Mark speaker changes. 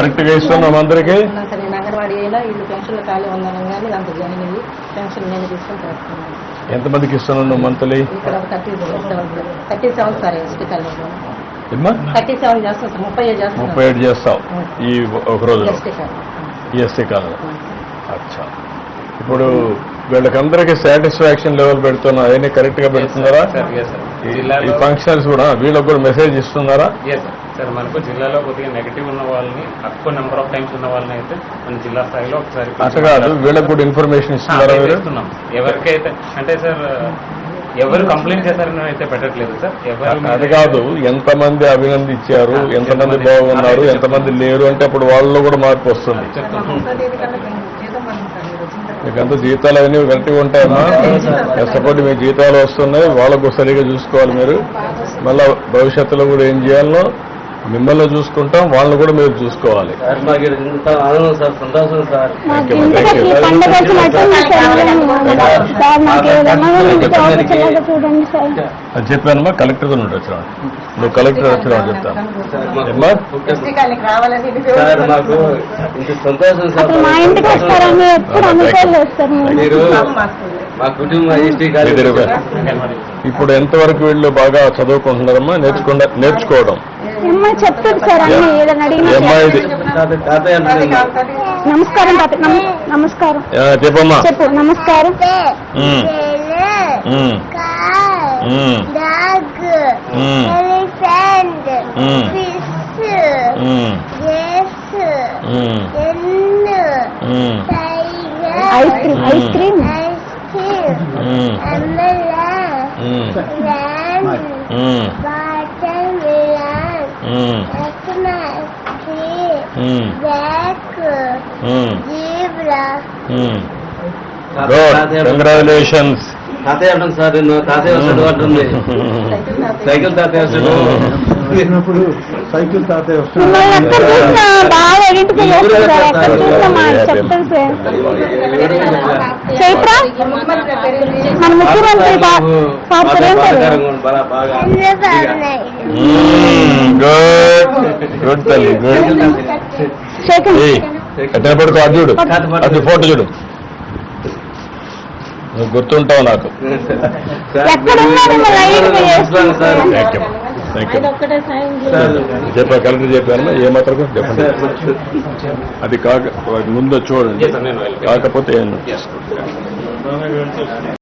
Speaker 1: Correct గా ఇస్తున్నాం అందరికి.
Speaker 2: అంగన్వాడీ అయినా వీళ్ళు పెన్షన్లు ఖాళీ ఉన్నాను కానీ అంత జాయిన్ అయ్యి పెన్షన్ నేను తీసుకొని చేస్తున్నాను.
Speaker 1: ఎంతమందికి ఇస్తున్నాను మంత్లీ?
Speaker 2: ఇక్కడ 37 సార్ ఎస్టీ కాలేజీలో
Speaker 1: 37
Speaker 2: చేస్తాం సార్. 37
Speaker 1: చేస్తావు ఈ ఒక రోజు ఎస్టీ కాలేజ్. అచ్చా, ఇప్పుడు వీళ్ళకందరికీ సాటిస్ఫాక్షన్ లెవెల్ పెడుతున్నా అవన్నీ కరెక్ట్ గా పెడుతున్నారా? ఈ ఫంక్షన్స్ కూడా వీళ్ళకి కూడా మెసేజ్ ఇస్తున్నారా?
Speaker 3: సార్ మనకు జిల్లాలో కొద్దిగా నెగిటివ్ ఉన్న వాళ్ళని తక్కువ నెంబర్ ఆఫ్ టైమ్స్ ఉన్న వాళ్ళని అయితే మన జిల్లా స్థాయిలో ఒకసారి
Speaker 1: అట్లా కాదు, వీళ్ళకి కూడా ఇన్ఫర్మేషన్ ఇస్తున్నారా?
Speaker 3: ఇస్తున్నాం. ఎవరికైతే అంటే సార్ ఎవరు కంప్లైంట్ చేశారని అయితే పెట్టట్లేదు సార్.
Speaker 1: అది కాదు, ఎంతమంది అభినందించారు, ఎంతమంది బాగున్నారు, ఎంతమంది లేరు అంటే అప్పుడు వాళ్ళలో కూడా మార్పు వస్తుంది. మీకంతా జీతాలు అవన్నీ కరెక్ట్గా ఉంటాయమ్మా. కష్టపడి మీ జీతాలు వస్తున్నాయి, వాళ్ళకు సరిగా చూసుకోవాలి మీరు. మళ్ళా భవిష్యత్తులో కూడా ఏం చేయాలో మిమ్మల్ని చూసుకుంటాం, వాళ్ళని కూడా మీరు చూసుకోవాలి. అది చెప్పానమ్మా, కలెక్టర్ వచ్చినా నువ్వు కలెక్టర్ వచ్చినా చెప్తాను. ఇప్పుడు ఎంతవరకు వీళ్ళు బాగా చదువుకుంటున్నారమ్మా? నేర్చుకోవడం
Speaker 4: చెప్తుంది సార్. నమస్కారం నమస్కారం
Speaker 1: చెప్పమ్మా.
Speaker 4: చెప్పు. నమస్కారం. Ice cream ice cream
Speaker 1: congratulations.
Speaker 5: తాతయ్య అంటాను సార్, నేను తాతయ్య వస్తాడు అంటుంది. సైకిల్ తాతయ్య వస్తాడు.
Speaker 4: సైకిల్ తాతయ్య వస్తాడు. బాగా ఐడెంటిఫై చేస్తారు సార్. ఎక్కడ చూసినా చెప్తాను సార్. చైత్ర మన ముఖ్యమంత్రి
Speaker 1: గుడ్ తల్లి, గుడ్. చూడు అది ఫోటో చూడు, నువ్వు గుర్తుంటావు నాకు. చెప్పా కలెక్టర్ చెప్పాను ఏమాత్రం చెప్పండి. అది కాక ముందు చూడండి, కాకపోతే